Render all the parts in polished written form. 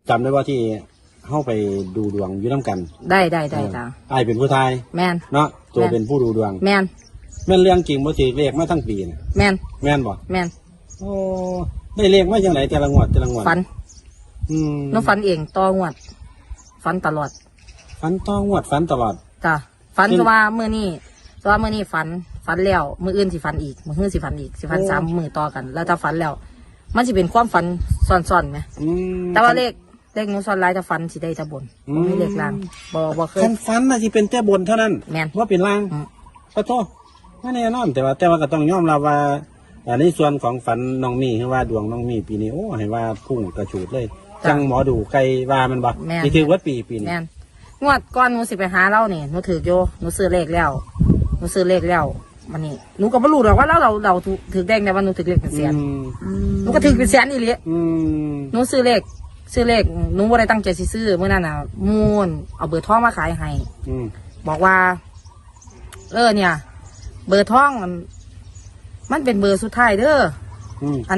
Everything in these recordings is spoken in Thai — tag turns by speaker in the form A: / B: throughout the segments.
A: จำได้ว่าที่เข้าไปดูดวงอยู่น้ำกัน
B: ได้จ้า
A: ไอ้เป็นผู้ชาย
B: แมน
A: เนาะตัวเป็นผู้ดูดวง
B: แมน
A: แม่นเรื่องจริงบ่ถือเลขมาทั้งปีน่ะ
B: แมน
A: บ่
B: แมน
A: โอ้ได้เลขมาจังไหนแต่ละงวด
B: ฝันน้องฝันเองต่องวดฝันตลอด
A: ฝันต่องวดฝันตลอด
B: จ้ะฝันก็ว่ามื้อนี้ฝันแล้วมื้ออื่นสิฝันอีกมื้อฮื้อสิฝันอีกสิฝัน3มื้อต่อกันแล้วถ้าฝันแล้วมันสิเป็นความฝันซ้อนๆไหมแต่ว่าเลขหนูซ้อนหลายแต่ฝันสิได้แต่บนไม่เลขล่างบ่เคย
A: ฝันน่ะสิเป็นแต่บนเท่านั้น
B: แม่น
A: ว่าเป็นล่างขอโทษไม่แน่นอนแต่ว่าก็ต้องยอมรับว่าในส่วนของฝันน้องมีให้ว่าดวงน้องมีปีนี้โอ้ให้ว่าพุ่งกระฉูดเลยจังหมอดูไกลว่ามันบ่ที่ถือว่าปีนี้
B: งวดก่อนหนูสิไปหาเราเนี่ยหนูถือโยหนูซื้อเลขแล้วมันนี่หนูก็ไม่รู้หรอกว่าเราถือแดงแต่ว่าหนูถือเลขเป็นแสนหนูก็ถือเป็นแสนอีหลีหนูซื้อเลขหนูว่าได้ตั้งใจซื้อเมื่อนั้นน่ะมูนเอาเบอร์ท้องมาขายให้บอกว่าเนี่ย เบอร์ท้องมันเป็นเบอร์สุดท้ายเด้ออัน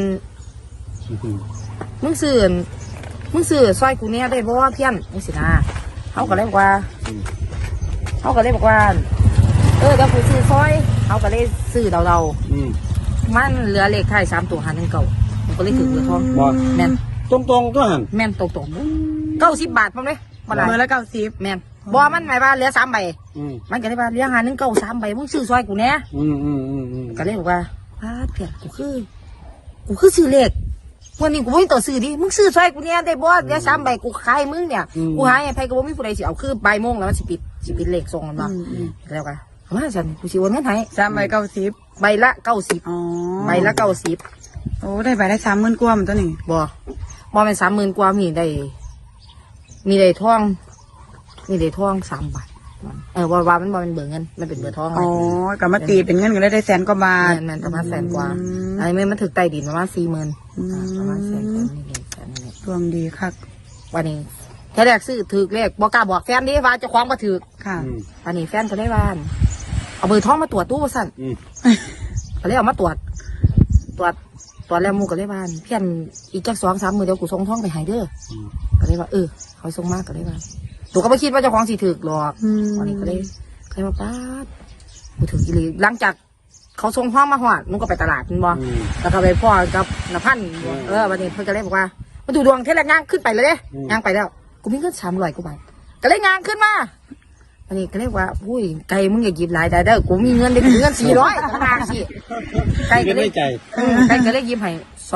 B: มึงซื้อซอยกูเนี่ยได้เพราะว่าเพี้ยนนี่สินะเขาก็เลยบอกว่าเดี๋ยวกูซื้อซอยเขาก็เลยซื้อเรามันเหลือเลขท้าย3 ตัว1 9ผมก็เลยถือเบอร์ท้องแม่น
A: ตรงก็หัน
B: แม่นตรง90 บาทมั้งเลย
C: เบอร์ละ90
B: แม่นบ่มันหมายว่าเหลือ3 ใบมันก็เลยว่าเหลือ1 9 3 ใบมึงซื้อซอยกูเนี่ยก็เลยบอกว่าเพี้ยนกูคือซื้อเลขวันนี้กูไม่ต่อซื้อดิมึงซื้อซอยกูเนี่ยได้บ่เดี๋ยว3 ใบกูขายมึงเนี่ยกูหายไอ้ไผก็บ่มีผู้ใดสิเอาคือบ่ายโมงแล้วมันสิปิดเลขส่งกันบ่แล้วกันมาฉันกูสิโอนเงินให้
C: 3 ใบ90
B: ใบละ90
C: อ๋อ
B: ใบละ90
C: โอ้ได้ใบละ30,000กว่ามันตัวนี้
B: บ่เป็น30,000กว่ามีได้ทอง3 บาทว่ามันบ่เป็นเบอร์เงินมันเป็นเบอร์ทอง
C: อ๋อก็มาตีเป็นเงินก็ได้แสนกว่าบาท
B: แม่นประมาณแสนกว่าไอ้แม่มันถึกใต้ดินประมาณ40,000ประมาณแสนกว่านี่
C: ดวงดีคัก
B: วันนี้แค่แรกซื้อถือเลขบอกกล้าบอกแฟนดิว่าจะคว้างมาถือ
C: ค่ะ
B: วันนี้แฟนก็ได้บ้านเอาเบอร์ท้องมาตรวจตู้สั่นก็เลยเอามาตรวจแล้วมูก็ได้บ้านเพี้ยนอีกจัก2-3 มื้อเดี๋ยวกูส่งท้องไปให้เด้อก็เลยว่าเขาส่งมากก็ได้บ้านตัวก็ไม่คิดว่าเจ้าของสิถือหรอกวันนี้ก็เลยมาป้ากูถืออีหลีหลังจากเขาส่งท้องมาหอดมึงก็ไปตลาดมึงบ่แล้วก็ไปพ่อกับนภันวันนี้เพื่อนก็เลยบอกว่ามาดูดวงเท่าไรย่างขึ้นไปเลยย่างไปแล้วกูมีเงิน300 กว่าบาทก็เลยย่างขึ้นมาอันนี้ก็เรียกว่าอุ้ยไก่มึงอย่าหยิบหลายได้เด้อกูมีเงินได้เงิน400ขนาดสิไก่ก็เลยหยิบให้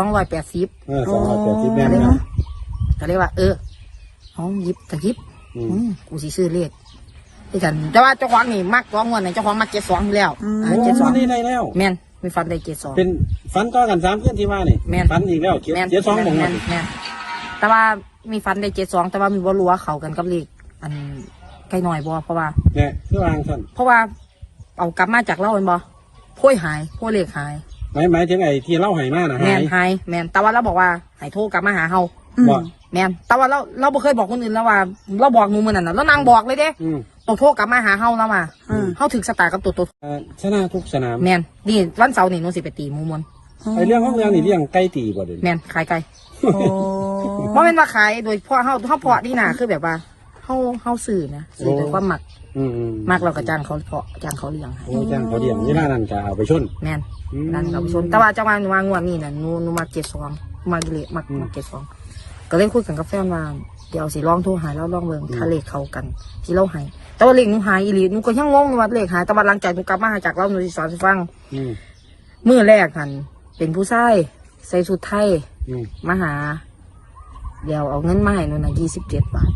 B: 280
A: 280แม่น
B: ก็เลยว่าเอาหยิบแต่หยิบกูสิซื้อเลขที่กันแต่ว่าเจ้าของนี่มักร้องเงินเจ้าของมัก72อยู่แล้ว
A: 72นี่ได้แล้ว
B: แม่นมีฟันได้72
A: เป็นฟันต่อกัน3คืนที่ว่านี่ฟันอีกแล้ว72บ่งแม่น
B: แต่ว่ามีฟันได้72แต่ว่ามีบ่รู้ว่าเข้ากันกับเลขอันไกลหน่อยบ่เพราะว่า
A: เนี่ยคือวางซั่น
B: เพราะว่าเอากลับมาจากเล่าเป็นบ่โพ่ยหายโพ่เลขหาย
A: หมายถึงไอ้ที่เล่าหายมาน่ะ
B: หายแม่นแต่ว่าเราบอกว่าให้โทรกลับมาหาเฮา
A: บ่
B: แม่นแต่ว่าเราบ่เคยบอกคนอื่นแล้วว่าเราบอกหนูมื้อนั้นน่ะแล้วนางบอกเลยเด้ต้องโทรกลับมาหาเฮาแล้วมาเฮาถึงสตาร์กับตัว
A: ชนะทุกสนาม
B: แม่นนี่วันเสาร์นี่หนูสิไปตีหมู่มวล
A: ไอ้เรื่องของเรื่องนี่เรื่องไก่ตีบ่เด้
B: แม่นขายไก่บ่แม่นว่าขายโดยเพราะเฮาเพาะนี่น่ะคือแบบว่าเฮาสื่อนะสื่อด้วยความมักเราก็จ้างเขาเพาะจ้างเขาเลี้ยงให้
A: จ้างเขาเลี้ยงนี่นั่นก็เอาไปชน
B: แม่นนั่นเอาไปชนแต่ว่าจังหวะวางงวดนี่น่ะหนูมา72มากิเลสมา72ก็เลยคุยกันกับแฟนว่าเดี๋ยวสิลองโทรหาแล้วลองเบิ่งถ้าเลขเข้ากันที่เราให้แต่ว่าเลขหนูหายอีหลีหนูก็ยังงงว่าเลขหายแต่ว่าหลังจากหนูกลับมาจากเราหนูสิสอนให้ฟังมื้อแรกหั่นเป็นผู้ชายใส่ชุดไทยมาหาเดี๋ยวเอาเงินมาให้หนูน่ะ27 บาท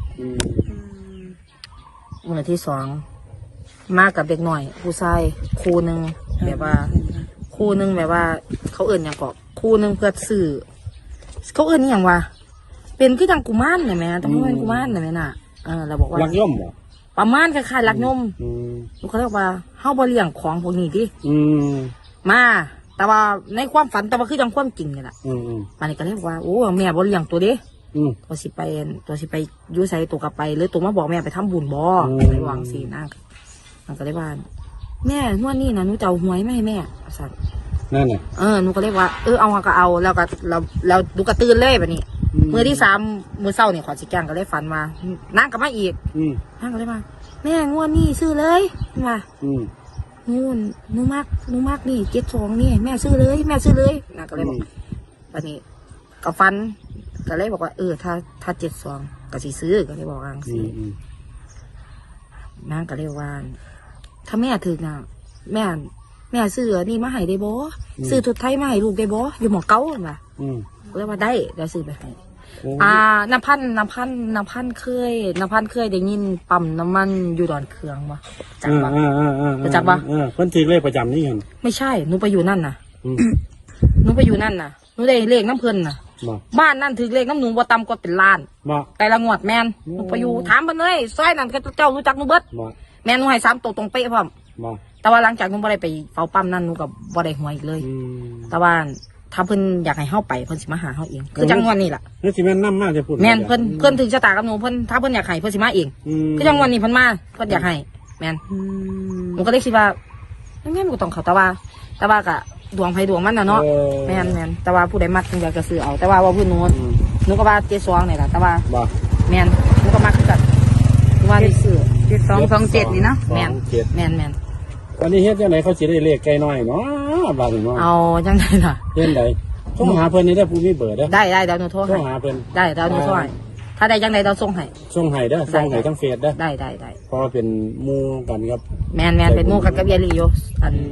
B: มื้อที่2มากับเด็กหน่อยผู้ชายคู่นึงแบบว่าเขาเอิ้นหยังก็คู่นึงเพื่อซื้อเขาเอิ้นหยังว่าเป็นคือจังกุมารเนี่ยแม่ต้องเป็นกุมารเนี่ยแม่น่ะเราบอกว่า
A: ลักย่อมบ่
B: ประมาณคล้ายๆลักย่อมเขาเรียกว่าเฮาบ่เลี้ยงของพวกนี้ดิมาแต่ว่าในความฝันแต่ว่าคือจังความจริงนี่แหละมันนี่ก็เรียกว่าโอ้แม่บ่เลี้ยงตัวเด้ตัวสิไปอยู่ไสตัวกลับไปหรือตัวมาบอกแม่ไปทำบุญบ่ไปวางสินั่งมันก็เลยว่าแม่งวดนี้นะหนูจะเอาหวยไม่ให้แม่สั่น
A: นั่นน่ะ
B: หนูก็เลยว่าเอาก็เอาแล้วก็เราดูกระตือนเลยแบบนี้มือที่3มือเศร้าเนี่ยขอสิแกงก็เลยฝันมานั่งกลับมาอีกนั่งก็เลยมาแม่งวดนี่ซื้อเลยมางูหนูมักนี่72นี่แม่ซื้อเลยนั่งก็เลยบอกวันนี้ก็ฟันก็เลยบอกว่าถ้า72ก็สิซื้อก็เลยบอกว่าสินั่งก็เลยว่าถ้าแม่ถึงน่ะแม่ซื้อนี่มาให้ได้บ่ซื้อทุดไทยมาให้ลูกได้บ่อยู่หม้องเก่าว่ะเลยว่าได้แล้วซื้อไปให้น้ำพันเคยได้ยินปั๊มน้ำมันอยู่ดอนเคืองบ่จักบ่รู้จักบ่
A: เพิ่นถือเลขประจำนี่เห็น
B: ไม่ใช่หนูไปอยู่นั่นน่ะหนูไปอยู่นั่นน่ะหนูได้เลขน้ำเพิ่นน่ะบ้านนั่นถือเลขน้ำหนูบ่ต่ำกว่าเป็นล้านแต่ละงวดแม่นหนูไปอยู่ถามเพิ่นเลยซอยนั่นเจ้ารู้จักหนูเบิดแม่นหนูให้3ตัวตรงเป๊ะพร้อมแต่ว่าหลังจากหนูบ่ได้ไปเฝ้าปั๊มนั่นหนูก็บ่ได้หวยอีกเลยแต่ว่าถ้าเพิ่นอยากให้เฮาไปเพิ่นสิมาหาเฮาเองคือจังวันนี้ล่ะ
A: นี่สิแม่นนำมาจะพูด
B: แม่นเพิ่นถึงชะตากับหนูเพิ่นถ้าเพิ่นอยากให้เพิ่นสิมาเองคือจังวันนี้เพิ่นมาเพิ่นอยากให้แม่นหนูก็เลยคิดว่าแม่นก็ต้องเขาแต่ว่าก็ดวงไผดวงมันน่ะเนาะแม่นแต่ว่าผู้ใดมักจังอยากจะซื้อเอาแต่ว่าเพิ่นหนูก็ว่า72นี่ล่ะแต่ว่าแม่นหนูก็มักคือกันว่าได้ซื้อ
C: 7227นี่เนาะ
B: แม่น
A: วันนี้เฮ็ดจังได๋เขาสิได้เลขไกลน้อยเนาะบาดนี้เนาะ
B: เอาจังได๋ล่ะ
A: เฮ็ดไดโทรหาเพิ่นนี่ได้ผู้มีเบอร์เด้อ
B: ได้เดี๋ยวหนูโทร
A: หาเพิ่น
B: ได้เดี๋ยวหนูโทรให้ถ้าได้จังได๋เราส่งให้
A: เด้อส่งให้ทั้งเฟซเด้อ
B: ได้
A: เพราะว่าเป็นหมู่กันครับ
B: แม่นเป็นหมู่กันกับยายลีอยู่อัน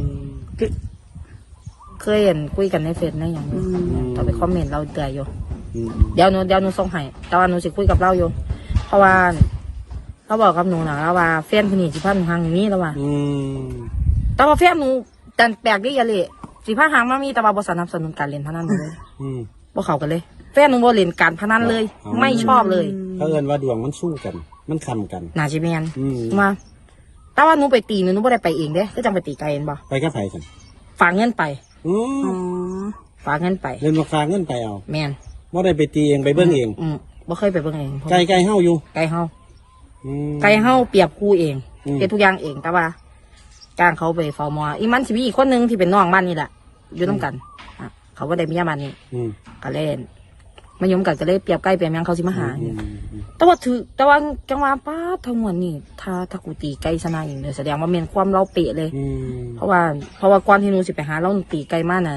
B: เคยเห็นคุยกันในเฟซในหยังต่อไปคอมเมนต์เราเตือนอยู่เดี๋ยวหนูส่งให้แต่ว่าหนูสิคุยกับเราอยู่เพราะว่าเขาบอกกับหนูนะว่าแฟนคนนี้สิพาหนูห่างอย่างนี้แล้วว่าแต่ว่าแฟนหนูแต่แปลกดิยาเลยสิพาห่างมามีแต่ว่าบ่สนับสนุนการเล่นพนันเลยบ่เข้ากันเลยแฟนหนูบ่เล่นการพนันเลยไม่ชอบเลย
A: เขาเอิ้นว่าดวงมันสู้กันมันค้ำกัน
B: น่าสิแม่นมาแต่ว่าหนูไปตีหนูบ่ได้ไปเองเด้ก็จังไปตีไกลเห็นบ่
A: ไปกับไผกัน
B: ฝากเงินไปฝากเงินไป
A: เล่นบ่ฝากเงินไปเอา
B: แม่น
A: บ่ได้ไปตีเองไปเบิ่งเอง
B: บ่เคยไปเบิ่งเอง
A: ไกลเฮาอยู่
B: ไกลเฮาเปรียบครูเองเป็นทุกอย่างเองแต่ว่าจ้างเขาไปเฝ้าหมออีมันสิมีอีกคนนึงที่เป็นน้องบ้านนี่แหละอยู่น้ำกันเขาก็ได้มีญาติบ้านนี่ก็เล่นมายมกันก็เลยเปรียบใกล้เปรียบยังเขาสิมาหาแต่ว่าจังหวะป้าทั้งหมดนี่ถ้ากูตีไกลชนะอย่างเดียวแสดงว่าเมียนความเราเปะเลยเพราะว่าก่อนที่หนูสิไปหาเราตีไกลมากน่ะ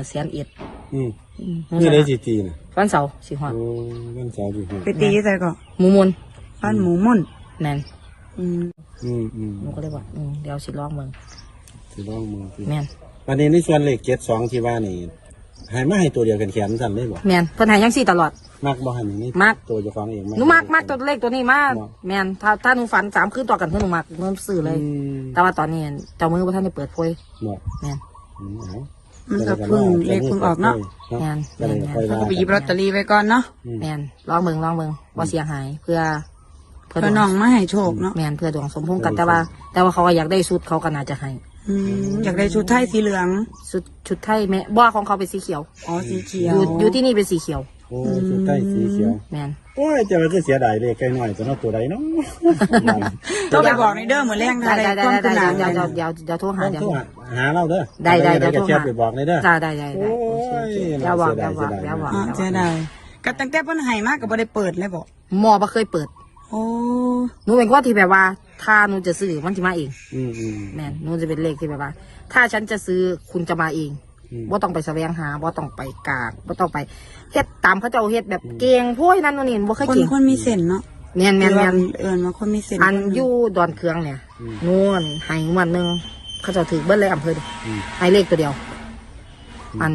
B: 100,000
A: นี่ได้สิตีน่ะ
B: วันเสาร์สิฮอด
A: วันเสาร์สิฮอด
C: ไปตีใส่ก็
B: หมูมน
C: บ้านหมูม่น
B: แม่นหนูก็เลยว่าเดี๋ยวสิลองเมืองแม่น
A: วันนี้ในส่วนเลข72ที่ว่านี่ให้มาให้ตัวเดียวกันแขนสั่นเลยบ่
B: แม่นเพิ่นให้จังซี่ตลอด
A: มักบ่ให้นี่
B: มัก
A: ตัวเจ้าของเอง
B: หนูมักตัวเลขตัวนี้มากแม่นถ้าหนูฝัน3คืนต่อกันคือหนูมักหนูซื้อเลยแต่ว่าตอนนี้เจ้ามือบ่ทันได้เปิดโพยแม่น
C: มันก็เพิ่งเลขเพิ่งออกเนาะ
B: แม่น
C: เขาก็ไปหยิบลอตเตอรี่ไว้ก่อนเนาะ
B: แม่นลองเบิ่งว่าเสียหายเพื่อ
C: น้องมาให้โชคเนาะ
B: แม่นเพื่อดวงสมพงษ์กันแต่ว่าเขาก็อยากได้ชุดเขาก็น่าจะให้
C: อยากได้ชุดไทยสีเหลือง
B: ชุดไทยแม่บ้าของเขาเป็นสีเขียว
C: สีเขียว
B: อยู่ที่นี่เป็นสีเขียว
A: ชุดไทยสีเขียว
B: แม่น
A: โอ้ยจะมาคือเสียดายเลยไกลหน่อยตัวน้องตัวใดเนาะ
C: ต้องไปบอกในเด้อเหมือนแรงได้
B: เดี๋ยวโทรหา
A: หาเราเด้อ
B: ได้เดี๋ยวโทรหา
A: ไปบอกในเด้อ
B: ได้
A: โอ้ย
B: เดี๋ยวบอก
C: เสียดายก็ตั้งแต่เพิ่นให้มากก็บ่ได้เปิดเลยบอก
B: หมอบ่เคยเปิดหนูเป็นคนที่แบบว่าถ้าหนูจะซื้อมันจะมาเองแม่หนูจะเป็นเลขที่แบบว่าถ้าฉันจะซื้อคุณจะมาเองว่าต้องไปแสวงหาว่าต้องไปกากว่าต้องไปเฮ็ดตามเขาเจ้าเฮ็ดแบบเก่งพวกนั้นนี่บ่เคยเก่ง
C: คนมีเส้นเนาะ
B: แม่น
C: มาคนมีเส้น
B: อันอยู่ดอนเคืองเนี่ยนู่นให้วันนึงเขาเจ้าถือเบิ้ลเลยอำเภอให้เลขตัวเดียวอัน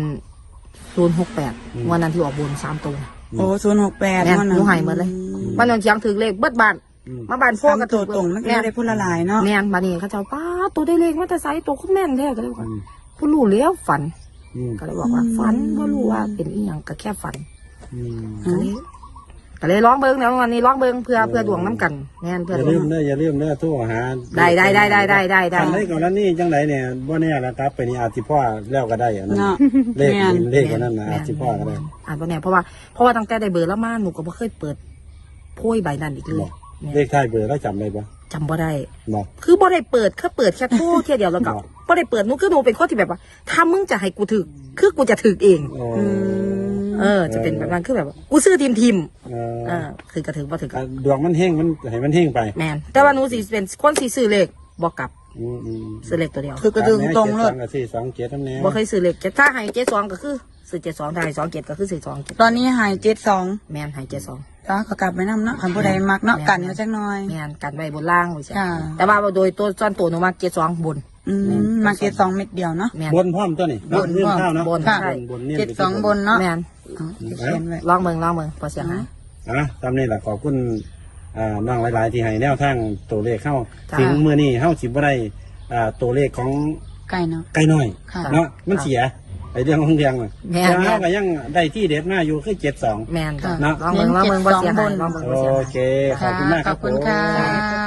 B: 068วันนั้นที่ออกบุญ3ตัว
C: โอ้068
B: นั่นหนูให้หมดเลยวันนั้นเชียงถือเลขเบิ้ลบ้านมาบ้านพวกกระ
C: ตัวตรงมันได้พูดละลายเนาะ
B: แม่นบ้านนี้เขาเจ้าป้าตัวได้เลขมาแต่ไซตัวเขาแม่นแท้ก็เลยว่าผู้รู้แล้วฝันก็เลยบอกว่าฝันว่ารู้ว่าเป็นอีหยังก็แค่ฝันก็เลยร้องเบิ้งแล้ววันนี้ร้องเบิ้งเพื่อดวงน้ำกันแน่นเพื่อ
A: อย่าลืมเด้อโทรหา
B: ได้
A: ทำได้ก่อนแล้วนี่จังไหนเนี่ยบ่แน่ละครับไปนี่อาจสิพ่อแล้วก็ได้อันนั้นเลขกันนั่นนะอาจสิพ่อก็ได้
B: บ่แน่เพราะว่าตั้งแต่ได้เบอร์แล้วมาหนูก็บ่เคยเปิดโพยใบนั้นอีกเลย
A: เลขท้ายเบอร์แล้วจำได้ปะ
B: จำบ่ได้คือบ่ได้เปิดแค่โทรแค่เดียวแล้วก็บ่ได้เปิดหนูคือหนูเป็นคนที่แบบว่าถ้ามึงจะให้กูถึกคือกูจะถึกเองจะเป็นแบบนั้นคือแบบกูซื้อทีม
A: เออ
B: คือกระถึงบ่ถึง
A: ดวงมันเฮงมันให้มันเฮงไป
B: แมนแต่ว่าหนูสิเป็นคนสิซื้อเลขบ่กลับ
A: อืม
B: ซื้อเลขตัวเดียว
C: คือกระดึงตรงเลย
A: กับสี่สองเจ็ดทั้งนี้
B: บ่เคยซื้อเลขถ้าให้72ก็คือซื้อ72ถ้าให้27ก็คือซื้อ27
C: ตอนนี้หาย72
B: แมนให้72
C: ก็กลับไปนำเนาะคันผู้ใดมักเนาะกันเอาจักหน่อย
B: แมนกันไว้บนล่างไว้ใช่
C: ค่ะ
B: แต่ว่าโดยตัวส่วนตัวหนูมัก72บน
C: มา72เม็ดเดียวเนาะ
B: แมน
A: บนพร้อมตัวนี่
C: บน
A: เงื่อนข้าวเนาะ
B: บน
C: ค่ะ
B: ใช่
A: บนเนี่ย
C: 72บนเนาะ
B: แมน
C: อ๋อเขียนไว้
B: ลองเมืองบ่เสียหาย
A: ตามนี้แหละขอบคุณน้องหลายๆที่ให้แนวทางตัวเลขเข้า
B: จ้า
A: ถึงมื้อนี้เฮาสิบ่ได้ตัวเลขของ
C: ไก่เนาะ
A: ไก่น้อย
C: ค่ะ
A: เนาะมันเสียไอ้เรื่องของเรื่องน่ะ
B: แม่น
A: แต่เฮาก็ยังได้ที่เด็ดมาอยู่คือ72
B: แมน
C: ค่ะ
A: เนาะ
B: ลองเมืองบ่เสียหายลองเมืองบ่เสีย
A: โอ
B: หาย
A: เคขอบคุณมากครับ
C: ขอบคุณค่ะ
A: ผม